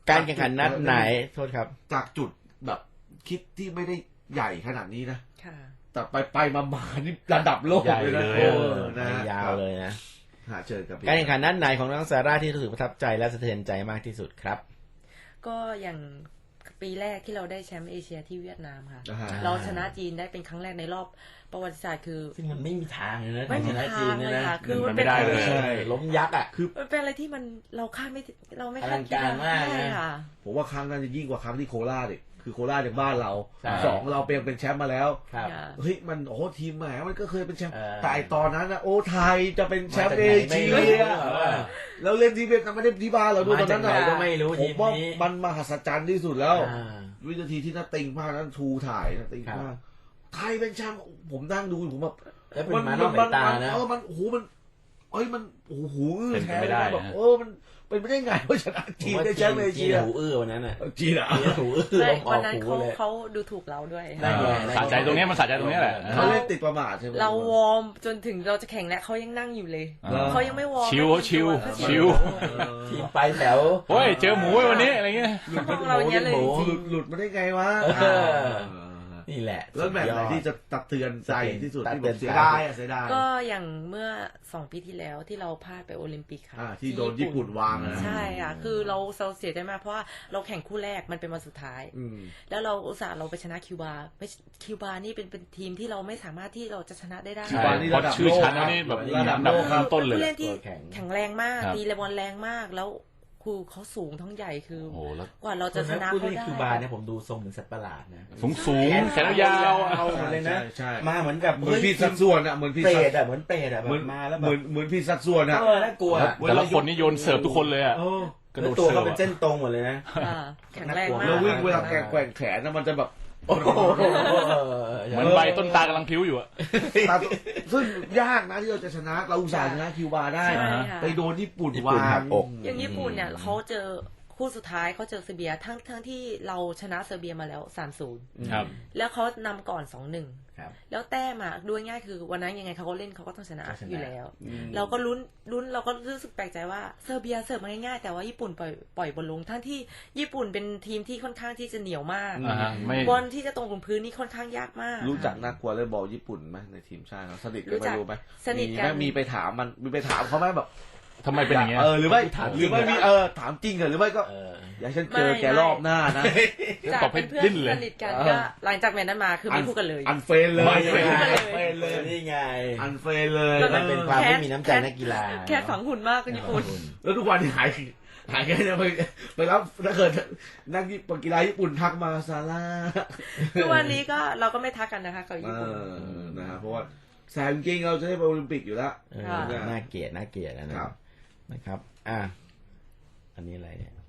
Speaker 9: การแข่งขันนัดไหนโทษครับ
Speaker 11: จากจุดแบบคิดที่ไม่ได้ใหญ่ขนาดนี้นะ
Speaker 12: ค่ะ
Speaker 11: แต่ไปไปมามานี่ระดับโลก
Speaker 9: ใหญ่
Speaker 11: เลยนะ
Speaker 9: เลย
Speaker 11: โอ้นะฮะ
Speaker 9: ยาวเลยนะ
Speaker 11: หาเจอกับพี่
Speaker 9: การแข่งขันนัดไหนของน้องซาร่าที่รู้สึกประทับใจและสะเทือนใจมากที่สุดครับ
Speaker 12: ก็อย่างปีแรกที่เราได้แชมป์เอเชียที่เวียดนามค่ะ
Speaker 11: อ่าฮะ
Speaker 12: เราชนะจีนได้เป็นครั้งแรกในรอบประวัติศาสตร์คือ
Speaker 9: ซึ่งมันไม่มีทางเลยนะ
Speaker 12: ไม่มี
Speaker 9: ชนะ
Speaker 12: ทา
Speaker 9: จีน
Speaker 12: ง
Speaker 9: เนี่ย
Speaker 12: เลย
Speaker 9: นะ
Speaker 12: ค่ะคือ
Speaker 10: มั
Speaker 12: มัน น
Speaker 10: ไม่
Speaker 12: เป็น
Speaker 10: ได้เลย
Speaker 9: ใช่ล้มยักษ์อ่ะ
Speaker 11: คือ
Speaker 12: มันเป็นอะไรที่มันเราคาดไม่เราไม่
Speaker 9: อ
Speaker 12: คา
Speaker 9: ลั
Speaker 12: ด
Speaker 9: ง
Speaker 12: คิด
Speaker 9: การมากนะ
Speaker 12: ใช่ค่ะ
Speaker 11: ผมว่าครั้งนั้นจะยิ่งกว่าครั้งที่โคราชอีกคือโคราชจากบ้านเรา
Speaker 9: ใช่
Speaker 11: สองเราเป็นเป็นแชมป์มาแล้ว
Speaker 9: ครับ
Speaker 11: เฮ้ยมันโอ้ทีมแหมมันก็เคยเป็นแชมป์
Speaker 9: เออ
Speaker 11: แต่ไอ้ตอนนั้นนะโอ้ไทยจะเป็นแชมป์เอ
Speaker 9: มาจากไหนไม่
Speaker 11: เชี
Speaker 9: รู้
Speaker 11: ยแล้วเล่นที่เวียดนามไม่ได้ที่บ้านเราด้วยตอนนั้น
Speaker 9: มาจากไหนก็ไม่รู้
Speaker 11: ผ
Speaker 9: ที
Speaker 11: ม
Speaker 9: ม
Speaker 11: ว่า
Speaker 9: นี้
Speaker 11: มันมหัศจรรย์ที่สุดแล้ว
Speaker 9: อ่า
Speaker 11: วินาทีที่น่าติงมากนั้นทูถ่ายน่าติง
Speaker 9: ครับ
Speaker 11: มากไทยเป็นแชมป์ผมนั่งดูผมแบบ
Speaker 9: แล้วเป็นมานอกสายตานะ
Speaker 11: เออมันโอ้โหมันเอ้ยมันโอ้โหอื้อ
Speaker 10: เป็นไป
Speaker 11: แท้
Speaker 10: ไม่ได้
Speaker 11: แบบ
Speaker 10: นะ
Speaker 11: เออมันเป็นไปได้ไงว่าชนะจีนได้แชมป์เอเชีย
Speaker 9: หูอื้อวันนั้นน่ะ
Speaker 11: จีนอ่ะ
Speaker 9: จีนหูอื้อ
Speaker 12: ใช่
Speaker 9: ลมอ
Speaker 12: วั
Speaker 9: อน ก
Speaker 12: นั้น
Speaker 9: หู
Speaker 12: เขา
Speaker 9: เลย
Speaker 12: เขาดูถูกเราด้วย
Speaker 9: ได้ไง
Speaker 10: สะใจตรงเนี้ยมันสะใจตรงเนี้ยแหละ
Speaker 11: เขาเล่นติดประมาทใช่ไหม
Speaker 12: เราวอร์มจนถึงเราจะแข่งแล้วเขายังนั่งอยู่เลย
Speaker 10: อ่า
Speaker 12: เขายังไม่วอร์ม
Speaker 10: ชิว
Speaker 12: ไม่
Speaker 10: ชิว
Speaker 12: เขา
Speaker 10: ชิว
Speaker 9: ทีมไปแถว
Speaker 10: โอ้ยเจอหมูไว้วันนี้อะไรเงี้ย
Speaker 12: เขามองเราอย่างเงี้ยเลย
Speaker 9: หมู
Speaker 12: จริ
Speaker 11: หลุ
Speaker 12: ง
Speaker 11: ดหลุดมาได้ไงวะ
Speaker 9: เออ นี่แหละ
Speaker 11: แล้วแบบไหน
Speaker 9: สุดยอด
Speaker 11: ที่จะตัดเตือนใจที่สุด
Speaker 9: ตัด
Speaker 11: ที่
Speaker 9: เตื
Speaker 11: แบ
Speaker 9: อน
Speaker 11: บเสีย
Speaker 9: ใจ
Speaker 11: ดายอ่ะเสียดาย
Speaker 12: ก็อย่างเมื่อสองปีที่แล้วที่เราพลาดไปโอลิมปิกค่ะ
Speaker 11: อ่าที่โดนญี่ปุ่นวางอะนะ
Speaker 12: ใช่ค่ะคือเราเราเสียใจมากเพราะว่าเราแข่งคู่แรกมันเป็นวันสุดท้าย
Speaker 11: อืม
Speaker 12: แล้วเราอุตส่าห์เราไปชนะคิวบาไม่คิวบานี่เป็นเป็นทีมที่เราไม่สามารถที่เราจะชนะได้ได้
Speaker 11: คิวบานี่
Speaker 10: เพราะชื่อชั้นแล้วนี่แบบ
Speaker 11: ระดับ
Speaker 10: อันดับ
Speaker 11: โลกครับ
Speaker 10: ต้นๆเลย
Speaker 12: ผู้เล่นที่
Speaker 9: ตัวแข็ง
Speaker 12: แข็งแรงมาก
Speaker 10: ครับ
Speaker 12: ตีเลบอลแรงมากแล้วคือเขาสูงทั้งใหญ่คือ
Speaker 10: โอ้โหแล้ว
Speaker 12: กว่าเราจะชนะ
Speaker 9: พูด
Speaker 12: เขา
Speaker 9: ที่
Speaker 12: ได้
Speaker 9: คิวบาเนี่ยผมดูทรงเหมือนสัตว์ประหลาดนะ
Speaker 10: สูงสูงแขนยาวๆอะ
Speaker 9: เอาหมดเลยนะ
Speaker 11: ใช่ใช่
Speaker 9: มาเหมือนกับ
Speaker 11: เหมือนพี่สัดส่วนอ่ะเหมือนพี่
Speaker 9: เปร
Speaker 11: สัด
Speaker 9: ตอ่ะเหมือนเปรตอ่ะแบ
Speaker 11: เหมือน
Speaker 9: บมาแล้วแบ
Speaker 11: เหมือบ นเหมือนพี่สัดส่วนอ่ะ
Speaker 9: เออน่ากลัว
Speaker 10: แต่ละคนนี่โยนเสิร์ฟทุกคนเลยอ่ะ
Speaker 11: เออก
Speaker 10: ระโดด
Speaker 9: ตัว
Speaker 10: เสิ
Speaker 9: เขา
Speaker 10: ร์ฟ
Speaker 9: เป็น
Speaker 10: อะ
Speaker 9: เส้นตรงหมดเลยนะ
Speaker 12: อ่าแข็งแรงมา
Speaker 11: แล้
Speaker 12: ก
Speaker 11: ววิ่งเวลาแกว่งแกว่งแขนนะมันจะแบบ
Speaker 9: โอ้โห
Speaker 10: เหมือนใบต้นตาลกำลังพลิ้วอยู่อะ
Speaker 11: ตัดซึ่งยากนะที่เราจะชนะเราอุตส่าห์ชนะคิวบาได้
Speaker 12: ใช่ค่ะ
Speaker 11: ไปโดนญี่ปุ่น
Speaker 9: ญี่ปุ่น
Speaker 11: วา
Speaker 9: หั
Speaker 11: ง
Speaker 9: กอก
Speaker 12: อย่างญี่ปุ่นเนี่ยเขาเจอคู่สุดท้ายเขาเจอเซอร์เบียทั้งทั้งที่เราชนะเซอร์เบียมาแล้ว สามศูนย์
Speaker 10: ครับ
Speaker 12: แล้วเขานำก่อน สองหนึ่ง
Speaker 9: ครับ
Speaker 12: แล้วแต้มอ่ะดูง่ายๆคือวันนั้นยังไงเขาก็เล่นเขาก็ต้องชนะ
Speaker 9: ต้องชนะ
Speaker 12: อยู่แล้ว
Speaker 9: อืม
Speaker 12: เราก็ลุ้นลุ้นเราก็รู้สึกแปลกใจว่าเซอร์เบียเสิร์ฟมาง่ายๆแต่ว่าญี่ปุ่นปล่อยปล่อยบอลลงทั้งที่ญี่ปุ่นเป็นทีมที่ค่อนข้างที่จะเหนียวมาก
Speaker 10: อ่าฮะไม่
Speaker 12: บอลที่จะตรงกับพื้นนี่ค่อนข้างยากมาก
Speaker 11: รู้จักนักกลัวเลยบอลญี่ปุ่นไหมในทีมชาติเราสนิทกัน
Speaker 12: รู้
Speaker 11: ไหม
Speaker 12: จัก
Speaker 11: รู้ไหม
Speaker 12: สนิท
Speaker 11: มี
Speaker 12: กั
Speaker 11: ไหม
Speaker 12: น
Speaker 11: มีไปถามมันมีไปถามเขาไหมแบบ
Speaker 10: ทำไมเป็นอย่างเงี้ย
Speaker 11: เออหรือไม่
Speaker 9: ถาม
Speaker 11: หรือไม่
Speaker 9: จริงเหรอ
Speaker 11: มีเออถามจริงเหรอหรือไม่ก็
Speaker 9: เออ
Speaker 11: อยากให้ฉันเจอแกรอบหน้านะ
Speaker 12: จาก
Speaker 10: ตอบให้
Speaker 12: เป็นเพื่อน
Speaker 10: ดิ้นเลย
Speaker 12: สนิทกัน
Speaker 11: เออ
Speaker 12: ก็หลังจากแมตช์นั้นมาคือไม่พูดกันเลย
Speaker 11: อันเฟนเลย
Speaker 10: ไม่เฟรน
Speaker 11: อันเฟนเลย
Speaker 9: นี่ไง
Speaker 11: อันเฟนเลย
Speaker 12: แล้ว
Speaker 9: มันเป็นความไม่มีน้ำใจนักกีฬา
Speaker 12: แค่ฝังหุ่นมากกับญี่ปุ่น
Speaker 11: แล้วทุกวันนี้หายหายแค่เนี่ยไปไปรับถ้าเกิดนักกีฬาญี่ปุ่นทักมาซาร่า
Speaker 12: ทุกวันนี้ก็เราก็ไม่ทักกันนะคะกับ
Speaker 11: เอ
Speaker 12: ญี่ปุ่น
Speaker 11: อนะฮะเพราะว่าแซมจริงๆเราจะได้ไปโอลิมปิกอยู่แล้ว
Speaker 9: เออ
Speaker 12: ค่ะ
Speaker 9: น่าเกลียดน่าเกลียดนะนะครับ นะครับ อ่ะ อันนี้อะไรเนี่ย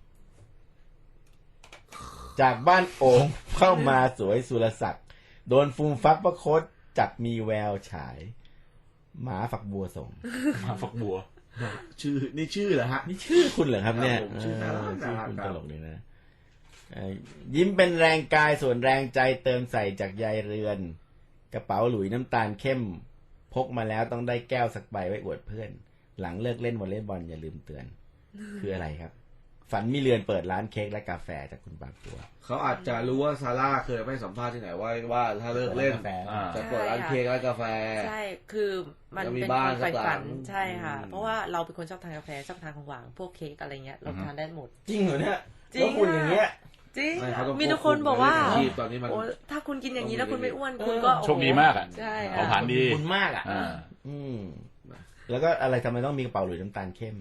Speaker 9: จากบ้านโอ่งเข้ามาสวยสุรศักดิ์โดนฟูมฟักประคตจับมีแววฉาย หมาฝักบัวส่ง
Speaker 10: มาฝักบัว
Speaker 11: ชื่อนี่ชื่อเหรอฮะ
Speaker 9: นี่ชื่อคุณเหรอครับเนี่ย
Speaker 11: ครับผมชื่อน่ารัก
Speaker 9: เออชื่อคุณ
Speaker 11: น่ารัก
Speaker 9: ตลกดีนะเอ่อยิ้มเป็นแรงกายส่วนแรงใจเติมใส่จากยายเรือน กระเป๋าหลุยน้ำตาลเข้ม พกมาแล้วต้องได้แก้วสักใบไว้อวดเพื่อน หลังเลิกเล่นวอลเลย์บอลอย่าลืมเตือน คืออะไรครับ ฝันมีเรือนเปิดร้านเค้กและกาแฟจากคุณปากปัว
Speaker 11: เขาอาจจะรู้ว่าซาร่าเคยไปสัมภาษณ์ที่ไหนว่าว่าถ้าเลิกเล่น
Speaker 9: กาแฟ
Speaker 10: อ่า
Speaker 11: จะเปิดร้านเค้กร้านกาแฟ
Speaker 12: ใช่ คือมัน
Speaker 11: จะมี
Speaker 12: เป็น
Speaker 11: บ้าน
Speaker 12: ความใฝ่
Speaker 11: สักหลั
Speaker 12: ฝั
Speaker 11: ง
Speaker 12: นใช่ค่ะ
Speaker 11: อืม
Speaker 12: เพราะว่าเราเป็นคนชอบทานกาแฟชอบทานของหวานพวกเค้กอะไรเงี้ยเราทานได้หมด
Speaker 9: จริงเหรอเนี่ย
Speaker 12: จริง
Speaker 9: แล้วคุณอย่างเงี้ย
Speaker 12: จริง
Speaker 11: ไม่เขาต้อง
Speaker 12: มีทุกคนบอกว่า
Speaker 11: ควบคุมอาชีพตอนนี้มัน
Speaker 12: โอ้ถ้าคุณกินอย่างนี้แล้วคุณไม่อ้วน
Speaker 9: เออ
Speaker 12: คุณก็
Speaker 10: โชคดีมากอะ
Speaker 12: ใช่
Speaker 10: เผา
Speaker 12: ค่ะ
Speaker 10: ผลาญดี
Speaker 9: คุณมากอ่ะ
Speaker 10: อ่า
Speaker 9: อืม แล้วก็อะไรทำไมต้องมีกระเป๋าหลุยน้ำตาลเข้ม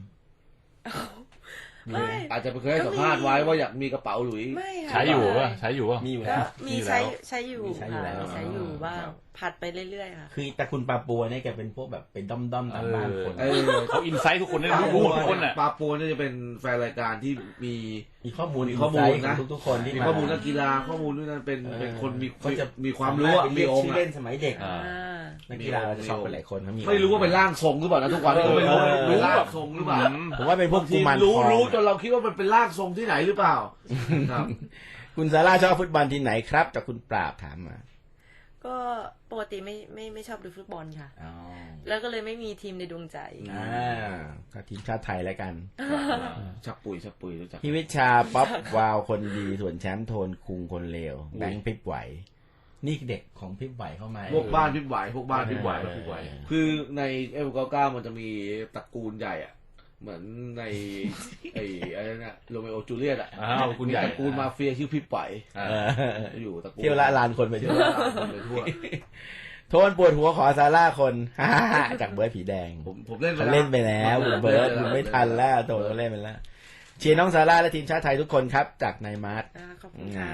Speaker 12: ไม่
Speaker 11: อาจจะเคยให้สัมภาษณ์ไว้ว่าอยากมีกระเป๋าหลุย
Speaker 12: ไม่ค่ะ
Speaker 10: ใช้อยู่ป่ะใช้อยู่ป่ะ
Speaker 9: มีอยู่
Speaker 12: ก็
Speaker 9: แล้ว
Speaker 12: มี
Speaker 10: มีแล้ว
Speaker 12: ใช้ใช้อยู่
Speaker 9: มีใช้อยู่
Speaker 12: ค่ะ
Speaker 9: แล้ว
Speaker 12: มีใช้อยู่บ้าง
Speaker 11: ครับ
Speaker 12: ผัดไปเรื่อยๆค่ะ
Speaker 9: คือแต่คุณปาปัวเนี่ยแกเป็นพวกแบบเป็นด้อมด้อมๆตามบ้านคน
Speaker 11: เออ
Speaker 10: เขาอินไซต์ทุกคนได้รู้หมดทุกคนอ่ะ
Speaker 11: ปาโปนเนี่ยจะเป็นแฟนรายการที่มี
Speaker 9: มีข้อมูล
Speaker 11: มีข้อมูล
Speaker 9: อินไซต์
Speaker 11: นะ
Speaker 9: ของทุกๆคนที่
Speaker 11: มี
Speaker 9: มา
Speaker 11: ข้อมูลนักกีฬาข้อมูลด้วยนั้นเป็น
Speaker 9: เออ
Speaker 11: เป็นคนมี
Speaker 9: เขาจะ
Speaker 11: มีความรู้อะ
Speaker 9: สาารถ
Speaker 11: มี
Speaker 9: เรียก
Speaker 11: องค์
Speaker 9: ชื่อ
Speaker 11: อะ
Speaker 9: เล่นสมัยเด็ก
Speaker 10: อ่า
Speaker 9: นักกีฬาเราจะชอบเป็นหลายคนเขามี
Speaker 11: ไม่รู้ว่าเป็นร่างทรงหรือเปล่านะทุกวันนี้ก็ไม่รู้
Speaker 9: เออ
Speaker 11: เป็นร่างทรงหรือเปล่า
Speaker 9: ผมว่าเป็นพวกกุ
Speaker 11: ทีม
Speaker 9: มาร
Speaker 11: รู้
Speaker 9: ทอง
Speaker 11: รู้จนเราคิดว่ามันเป็นร่างทรงที่ไหนหรือเปล่าครับ
Speaker 9: คุณซาร่าชอบฟุตบอลทีมไหนครับจากคุณปราบถามมา
Speaker 12: ก็ก็ปกติไม่ไม่ไม่ชอบดูฟุตบอลค่ะ
Speaker 9: อ๋อ
Speaker 12: แล้วก็เลยไม่มีทีมในดวงใจ
Speaker 9: อ่าก็ทีมชาติไทยแล้วกัน
Speaker 11: ชักปุยชักปุยรู้จัก
Speaker 9: พี่วิชาป๊อปวาวคนดีส่วนแชมป์โทนคุงคนเลวแบงค์พริบไหว นี่เด็กของพริบไหวเข้ามา
Speaker 11: พวกบ้านพิบไหวพวกบ้านพิบไหว
Speaker 9: เออ
Speaker 11: พิบไหวคือในเอฟเก้าเก้ามันจะมีตระกูลใหญ่อะเหมือนใน ไอ้อะไรนะโรเมโอจูเลียตอะ
Speaker 10: อ้าวคุณใหญ่
Speaker 11: ตระกูลมาเฟียชื่อพิบไหว
Speaker 9: เออ
Speaker 11: อยู่ตระกูล
Speaker 9: เที่ยวละลานคนไป
Speaker 11: เที่
Speaker 9: ทั่
Speaker 11: ยว
Speaker 9: ว
Speaker 11: ละลานคนไปทั่ว
Speaker 9: โทนปวดหัวขอซาร่าคน จากเบิร์ดผีแดง
Speaker 11: ผมผมเล่น
Speaker 9: เขาเล่นไปแล้วคุณเบิร์ดคุณไม่ทันแล้วโตเขาเล่นไปแล้วเชียร์น้องซาร่าและทีมชาติไทยทุกคนครับ จากนายมาร์ท
Speaker 12: อ่าขอบคุณค่ะ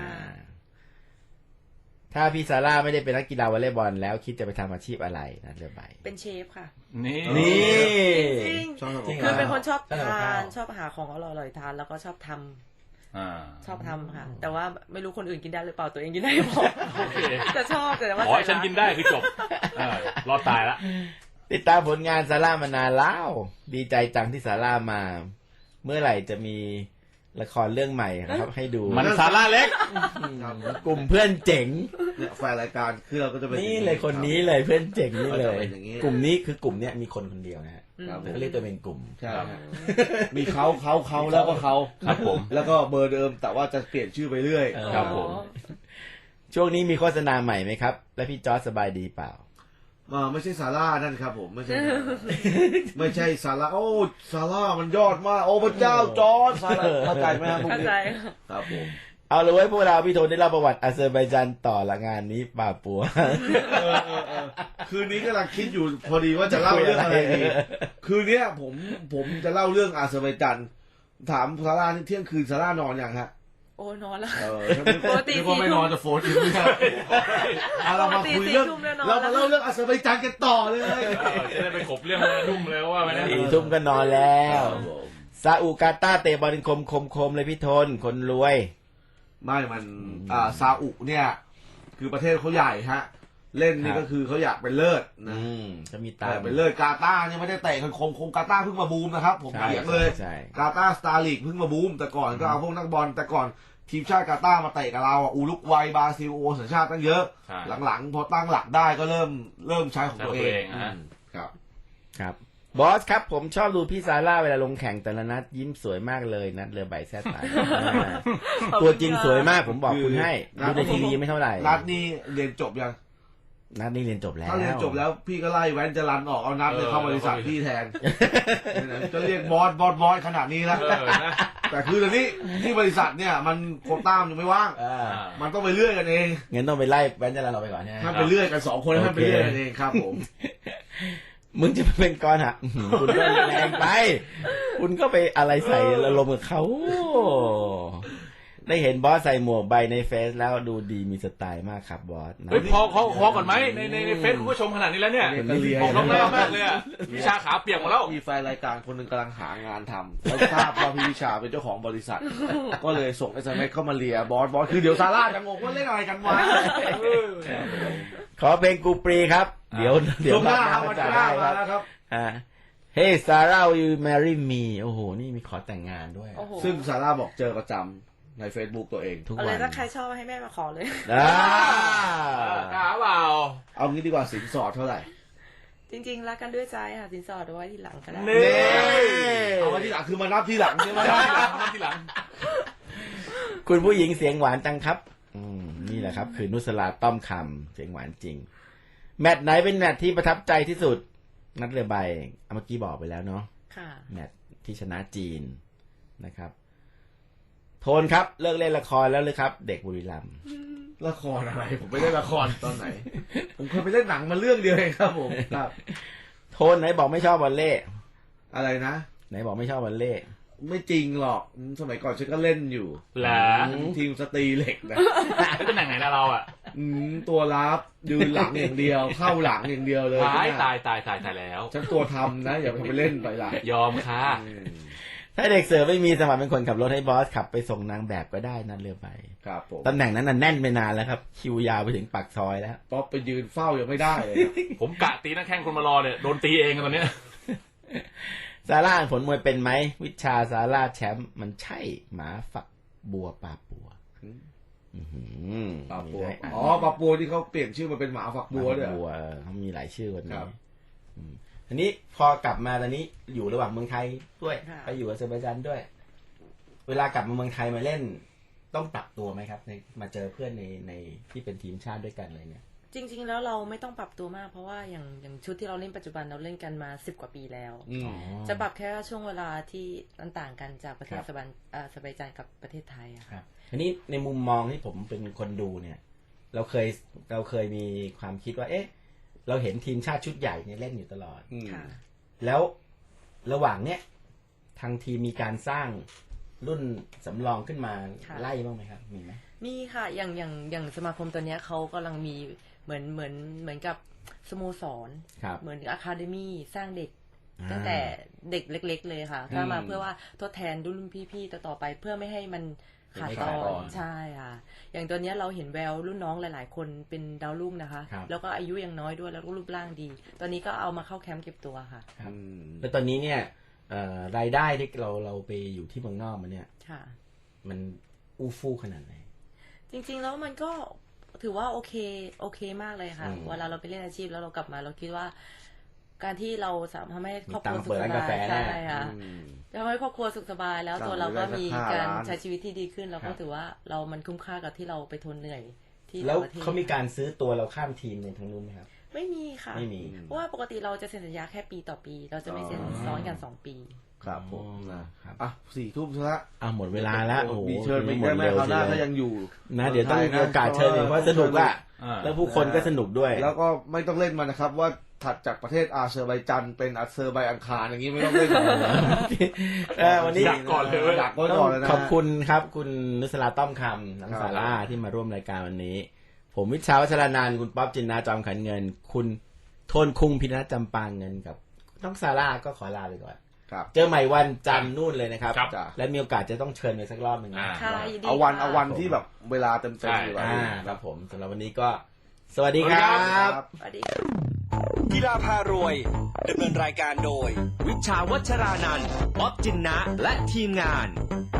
Speaker 9: ถ้าพี่ซาร่าไม่ได้เป็นนักกีฬาวอลเลย์บอลแล้วคิดจะไปทำอาชีพอะไรนะเรือใบ
Speaker 12: เป็นเชฟค่ะ
Speaker 10: นี่
Speaker 9: นี่
Speaker 12: จริง
Speaker 11: ชอบ
Speaker 9: จริง
Speaker 12: คือเป็นคนชอบ
Speaker 9: ชอบทำกับ
Speaker 12: ทา
Speaker 9: ข้าว
Speaker 12: นชอบหาของอร่อยๆทานแล้วก็ชอบทำ
Speaker 10: อ่า
Speaker 12: ชอบทำค่ะ แต่ว่าไม่รู้คนอื่นกินได้หรือเปล่าตัวเองกินได้หรือเปล่า
Speaker 10: โอเค
Speaker 12: แต่ชอบแต่ว่า
Speaker 10: ขอให้ฉันกินได้คือจบเออรอดตายละ
Speaker 9: ติดตามผลงานซาร่ามานานแล้วดีใจจังที่ซาร่ามา เมื่อไหร่จะมีละครเรื่องใหม่ครับ ให้ดู
Speaker 10: มันซาร่าเล็ก
Speaker 9: กลุ่มเพื่อนเจ๋ง
Speaker 11: เนี่ยแฟนรายการคือเราก็จะเป็น
Speaker 9: นี่เลยคนนี้เลยเพื่อนเจ๋งนี่เลย
Speaker 11: ก็จะเป็นอย่างนี้
Speaker 9: กลุ่มนี้คือกลุ่มเนี้ยมีคนคนเดียวนะฮะ
Speaker 11: ครับผม
Speaker 9: เขาเรียกตัวเป็นกลุ่ม
Speaker 11: ใช่ฮะมีเขาเขาเขาแล้วก็เขา
Speaker 10: ครับผม
Speaker 11: แล้วก็เบอร์เดิมแต่ว่าจะเปลี่ยนชื่อไปเรื่อย
Speaker 9: เออ
Speaker 10: ครับผม
Speaker 9: ช่วงนี้มีโฆษณาใหม่ไหมครับ และพี่จอร์จสบายดีเปล่า
Speaker 11: อ่าไม่ใช่ซาร่านั่นครับผมไม่ใช่ ไม่ใช่ซาร่าโอ้ซาร่ามันยอดมากโอ้พระเจ้าจอร์จซาร่าเข้าใจไหมครับพวก
Speaker 12: เข้า
Speaker 11: นี้
Speaker 12: ใจ
Speaker 11: ครับผม
Speaker 9: เอาเลยไว้ยพวกเราพี่โทนได้เล่าประวัติอาเซอร์ไบจานต่อละงานนี้ป่าปัว
Speaker 11: เออเออเออคืนนี้กำลังคิดอยู่พอดีว่าจะเล่าเรื่องอะไรดีคืนเนี้ยผมผมจะเล่าเรื่องอาเซอร์ไบจันถามซาร่าที่เที่ยงคืนซาร่านอนอย่างฮะ
Speaker 12: โอ้นอนแล้ว
Speaker 11: เออ
Speaker 12: ปกติ
Speaker 11: นึกว่าไม่นอนจะโฟนอีกไม่ใช่อ่ะเรามาคุยเรื่อง
Speaker 12: ปกติสี่ทุ่มแล้วนอน
Speaker 11: เรามาเล่าเรื่องอาเซอร์ไบจานกันต่อเลย
Speaker 10: เออจะได้ไปขบเรื่องนุ่มเลยว่าไปนะ
Speaker 9: สี่ทุ่มก็นอนแล้วซาอุกาตาร์เตะบอลคมคมคมเลยพี่โทนคนรวย
Speaker 11: ไม่มันอ่าซาอุเนี่ย คือประเทศเขาใหญ่ฮะ เล่นนี่
Speaker 9: ครับ
Speaker 11: ก็คือเขาอยากเป็นเลิศนะ
Speaker 9: อืมจะมีตา
Speaker 11: แต่เป็นเลิศกาตาร์เนี่ยไม่ได้เตะกันคมคมกาตาร์เพิ่งมาบูมนะครับ ผม
Speaker 9: ใช่
Speaker 11: เถียงเลย
Speaker 9: ใช่
Speaker 11: กาตาร์สตาร์ลีกเพิ่งมาบูม แต่ก่อนก็เอาพวกนักบอลแต่ก่อนทีมชาติกาตาร์มาเตะกับเราอ่ะอูรุกวัยบราซิลโอสัญชาติตั้งเยอะ
Speaker 10: ใช่
Speaker 11: หลังๆ พอตั้งหลักได้ก็เริ่มเริ่มใช้ของตัวเอ
Speaker 10: ใช้ของตัวเอง
Speaker 11: ง
Speaker 10: อ่ะ
Speaker 11: อืมครับ
Speaker 9: ครับบอสครับผมชอบดูพี่ซาร่าเวลาลงแข่งแต่ละนัดยิ้มสวยมากเลยนัดเรือใบแซ่ตายอ่าตัวจริงสวยมากผมบอกคุณให้
Speaker 11: คือ
Speaker 9: ดูในทีวีไม่เท่าไหร่
Speaker 11: นัดนี้เรียนจบยัง
Speaker 9: นัดนี้เรียนจบแล้ว
Speaker 11: ถ้าเรียนจบแล้วพี่ก็ไล่แว้นจะรันออกเอานัดเนี่ยเข้าบริษัทพี่แทนจะเรียกบอสบอสบอสขนาดนี้แล้ว
Speaker 10: เออนะ
Speaker 11: แต่คือตอนนี้ที่บริษัทเนี่ยมันโควต้ามนยังไม่ว่าง
Speaker 9: อ่า
Speaker 11: มันต้องไปเลื่อยกันเอง
Speaker 9: งั้นต้องไปไล่แว้นจะลาเราไปก่อนใช่ไหม
Speaker 11: ถ้าไปเลื่อยกันสองคนให้มันไปเลื่อยกันเองครับผม
Speaker 9: มึงจะมาเป็นกรหักอื้อหือคุณก็แรงไป คุณก็ไปอะไรใส่อารมณ์กับเขาได้เห็นบอสใส่หมวกใบในเฟซแล้วดูดีมีสไตล์มากครับบอสนะ
Speaker 10: เฮ้ยพอพอพอก่อนไหมในในในเฟซคุณผู้ชมขนาดนี้แล้วเนี่ย
Speaker 11: เรียนก็เรียน
Speaker 10: บอกน้องน่ามากเลยอะวิชาขาเปียกหมดแล้ว
Speaker 11: มีแฟนรายการคนหนึ่งกำลังหางานทำแล้วทราบว่าพี่วิชาเป็นเจ้าของบริษัท ก็เลยส่งเอสเอ็มเอสเข้ามาเลียบอสบอสคือเดี๋ยวซาร่าจะงงว่าเล่นอะไรกันวะ
Speaker 9: ขอเพลงกูปรีครับ เดี๋ยวเดี๋ยว
Speaker 11: ช่วงหน้าครับ
Speaker 9: มา
Speaker 11: วัน
Speaker 9: จะ
Speaker 11: หน้า
Speaker 9: ได้ค
Speaker 11: มา
Speaker 9: รับ
Speaker 11: แล้วครับ
Speaker 9: อ่า Hey Sarah will you marry me โอ้โห นี่มีขอแต่งงานด้วย
Speaker 12: โอ้โห
Speaker 11: ซึ่งซาร่าบอกเจอประจำใน Facebook ตัวเอง
Speaker 9: ทุก
Speaker 12: อะไร
Speaker 9: วัน
Speaker 12: ถ้าใครชอบให้แม่มาขอเลย
Speaker 9: อ่า
Speaker 10: กล้าเปล่า
Speaker 11: เอางี้ดีกว่าสินสอดเท่าไหร่
Speaker 12: จริงๆรักกันด้วยใจค่ะสินสอดเอาไว้ทีหลังก็ได้
Speaker 10: นี่
Speaker 11: เอามาที่หลังคือมานับที่หลังใช่ไหม
Speaker 10: ทีหลังมาทีหลัง
Speaker 9: คุณผู้หญิงเสียงหวานจังครับ อืมนี่แหละครับ คือนุสลาต้อมคำเสียงหวานจริง แมตช์ไหนเป็นแมตช์ที่ประทับใจที่สุด นัดเรือใบเมื่อกี้บอกไปแล้วเนาะ
Speaker 12: ค่ะ
Speaker 9: แมตช์ที่ชนะจีนนะครับ โทนครับ เลิกเล่นละครแล้วหรือครับ เด็กบุรีรัมย์
Speaker 11: ละครอะไร ผมไปเล่นละครตอนไหน ผมเคยไปเล่นหนังมาเรื่องเดียวเองครับผมครับ
Speaker 9: โทนไหนบอกไม่ชอบวอลเล่
Speaker 11: อะไรนะ
Speaker 9: ไหนบอกไม่ชอบวอลเล่
Speaker 11: ไม่จริงหรอกอืมสมัยก่อนฉันก็เล่นอยู่
Speaker 10: เหรอ
Speaker 11: ทีมสตรีเหล็กนะ
Speaker 10: แล้วเป็นหนังไหนนะเราอ่ะ
Speaker 11: อืมตัวรับยืนหลังอย่างเดียว เข้าหลังอย่างเดียวเลย
Speaker 10: ตาย
Speaker 11: เนี่ย
Speaker 10: ตายตายตายตายแล้ว
Speaker 11: ฉันตัวทำนะ อย่าไปเล่นไปล่ะ
Speaker 10: ยอมค่ะ
Speaker 11: อืม
Speaker 9: ถ้าเด็กเสิร์ฟไม่มีสมัครเป็นคนขับรถให้บอสขับไปส่งนางแบบก็ได้นัดเรือใบ
Speaker 11: ครับผม
Speaker 9: ตำแหน่งนั้นน่ะแน่นไปนานแล้วครับ คิวยาวไปถึงปากซอยแล้ว
Speaker 11: ป๊อปไปยืนเฝ้ายังไม่ได้เลยนะ
Speaker 10: ผมกะตีนักแข่งคนมารอเนี่ยโดนตีเองตอนเนี้ย
Speaker 9: ซาร่าอ่านผลมวยเป็นไหม วิชาซาร่าแชมป์มันใช่หมาฝักบัวปลาปัว อื้อหือ
Speaker 11: ปาปัว
Speaker 9: มีได้อ่าน
Speaker 11: อ๋อปาปัวที่เขาเปลี่ยนชื่อมาเป็นหมาฝักบัวด้วย
Speaker 9: บัวเออเขามีหลายชื่อคน
Speaker 11: ค
Speaker 9: นี้
Speaker 11: รับ
Speaker 9: อืมอันนี้พอกลับมาตอนนี้อยู่ระหว่างเมืองไทยด้วย
Speaker 12: ค่ะ
Speaker 9: ไปอยู่อาเซอร์ไบจานด้วย เวลากลับมาเมืองไทยมาเล่น ต้องปรับตัวไหมครับ ในมาเจอเพื่อนในในที่เป็นทีมชาติด้วยกันอะไรเนี่ย
Speaker 12: จริง ๆ แล้วเราไม่ต้องปรับตัวมากเพราะว่าอย่างอย่างชุดที่เราเล่นปัจจุบันเราเล่นกันมาสิบกว่าปีแล้ว
Speaker 11: อืม
Speaker 12: จะปรับแค่ช่วงเวลาที่มันต่างกันจากประเทศ
Speaker 9: ครับ
Speaker 12: สบันอ่าสบายใจกับประเทศไทยอะ
Speaker 9: ครับอันนี้ในมุมมองที่ผมเป็นคนดูเนี่ย เราเคยเราเคยมีความคิดว่า เอ๊ะ เราเห็นทีมชาติชุดใหญ่เนี่ยเล่นอยู่ตลอด
Speaker 11: อืม
Speaker 12: ค่ะ
Speaker 9: แล้วระหว่างเนี้ยทางทีมมีการสร้างรุ่นสำรองขึ้นมา
Speaker 12: ค่ะ
Speaker 9: ไล่บ้างไหมครับ มีไหม
Speaker 12: มีค่ะอย่างอย่างอย่างสมาคมตัวเนี้ยเขากำลังมีเหมือนเหมือนเหมือนกับสโมสร
Speaker 9: ครับ
Speaker 12: เหมือนอะคาเดมี่สร้างเด็ก
Speaker 9: อ่า
Speaker 12: ตั้งแต่เด็กเล็ก ๆ เลยค่ะ
Speaker 11: อืม
Speaker 12: ถ้ามาเพื่อว่าทดแทนรุ่นพี่ๆต่อๆไป เพื่อไม่ให้มันขาดตอ
Speaker 11: ไม่ขาดตอน น
Speaker 12: ใช่ค่ะ อย่างตัวเนี้ยเราเห็นแววรุ่นน้องหลายๆ คนเป็นดาวรุ่งนะคะ
Speaker 9: ครับ
Speaker 12: แล้วก็อายุยังน้อยด้วยแล้วก็รูปร่างดี ตอนนี้ก็เอามาเข้าแคมป์เก็บตัวค่ะ
Speaker 9: ครับ
Speaker 11: อืม
Speaker 9: แล้วตอนนี้เนี่ยเอ่อรายได้ที่เราเราไปอยู่ที่เมืองนอกมาเนี่ย
Speaker 12: ค่ะ
Speaker 9: มันอู้ฟู่ขนาดไหน
Speaker 12: จริงๆแล้วมันก็ถือว่าโอเคโอเคมากเลยค่ะ
Speaker 9: อืม
Speaker 12: เวลาเราไปเล่นอาชีพแล้วเรากลับมาเราคิดว่า การที่เราสามารถทำให้ครอบครัว
Speaker 9: มีตังค์
Speaker 12: สุ
Speaker 9: เปิ
Speaker 12: ข
Speaker 9: ด
Speaker 12: ส
Speaker 9: ร้านกา
Speaker 12: บา
Speaker 9: แฟ
Speaker 12: ย
Speaker 9: ได้
Speaker 12: ใช่ค่ะ
Speaker 11: อืม
Speaker 12: ทำให้ครอบครัวสุขสบายแล้ว
Speaker 11: สั่ง
Speaker 12: ตัวเราก็
Speaker 11: ได้สัก
Speaker 12: มี
Speaker 11: ห้า
Speaker 12: การ
Speaker 11: ล้าน
Speaker 12: ใช้ชีวิตที่ดีขึ้นเรา
Speaker 9: ครั
Speaker 12: ก็
Speaker 9: บ
Speaker 12: ถือว่าเรามันคุ้มค่ากับที่เราไปทนเหนื่อยที่
Speaker 9: แล้ว
Speaker 12: ต่างประเทศ
Speaker 9: เขามีการซื้อตัวเราข้ามทีมในทางนู้นไหมครับ
Speaker 12: ไม่มีค่ะ
Speaker 9: ไม่มี
Speaker 12: เพราะว่าปกติเราจะเซ็นสัญญาแค่ปีต่อปี เราจะไม่เซ็น
Speaker 11: อ๋อ
Speaker 12: ซ้อนกันสองปี
Speaker 11: ครับผม
Speaker 9: อ๋อ
Speaker 11: นะครับ อ่ะสี่ทุ่มซะละ
Speaker 9: อ่ะหมดเวลาแล้วโอ้โห
Speaker 11: มีเชิญไปอีก
Speaker 9: หม
Speaker 11: ได้
Speaker 9: ด
Speaker 11: ไหม
Speaker 9: เร็ว
Speaker 11: คราวหน้า
Speaker 9: ที
Speaker 11: ถ้า
Speaker 9: เดียว
Speaker 11: ยังอยู่
Speaker 9: นะเดี๋ยวต้องมี
Speaker 11: นะ
Speaker 9: โอกาสเชิญอีกเพราะสนุกอ่ะ
Speaker 10: อ่า
Speaker 9: แล้วผู้คนก็สนุกด้วย
Speaker 11: แล้วก็ไม่ต้องเล่นมันนะครับ ว่าถัดจากประเทศอาเซอร์ไบจันเป็นอาเซอร์ไบอังคารอย่างนี้ไม่ต้องเล่นมันนะ
Speaker 9: เออวันนี้
Speaker 10: ดักก่อนเลยเว้ย
Speaker 11: ดักไว้ก่อนเลยนะ
Speaker 9: ขอบคุณครับ คุณนุสราต้อมคำน้อง
Speaker 11: ครับ
Speaker 9: สาร่าที่มาร่วมรายการวันนี้ ผมวิชาวัชรนันท์คุณป๊อบจินนาจอมขันเงิน คุณโทนคุงพินัทจำปางเงินกับน้องซาร่าก็ขอลาไปก่อน
Speaker 11: ครับ
Speaker 9: เจอใหม่วันจันทร์นู่นเลยนะครับ
Speaker 10: ครับ
Speaker 11: จ้ะ
Speaker 9: และมีโอกาสจะต้องเชิญไปสักรอบหนึ่งนะ
Speaker 10: อ่า
Speaker 12: ค่ะยินดี
Speaker 11: เอาวัน
Speaker 12: ค่ะ
Speaker 11: เอาวันที่แบบเวลาเต็ม
Speaker 10: ใช่
Speaker 11: ๆดีกว่า
Speaker 9: อ่าครับผมสำหรับวันนี้ก็ สวัสดีครับ
Speaker 12: สวัสดีค่ะ
Speaker 1: กีฬาพารวยดำเนินรายการโดย วิชาวัชรานันท์ป๊อบจินนะและทีมงาน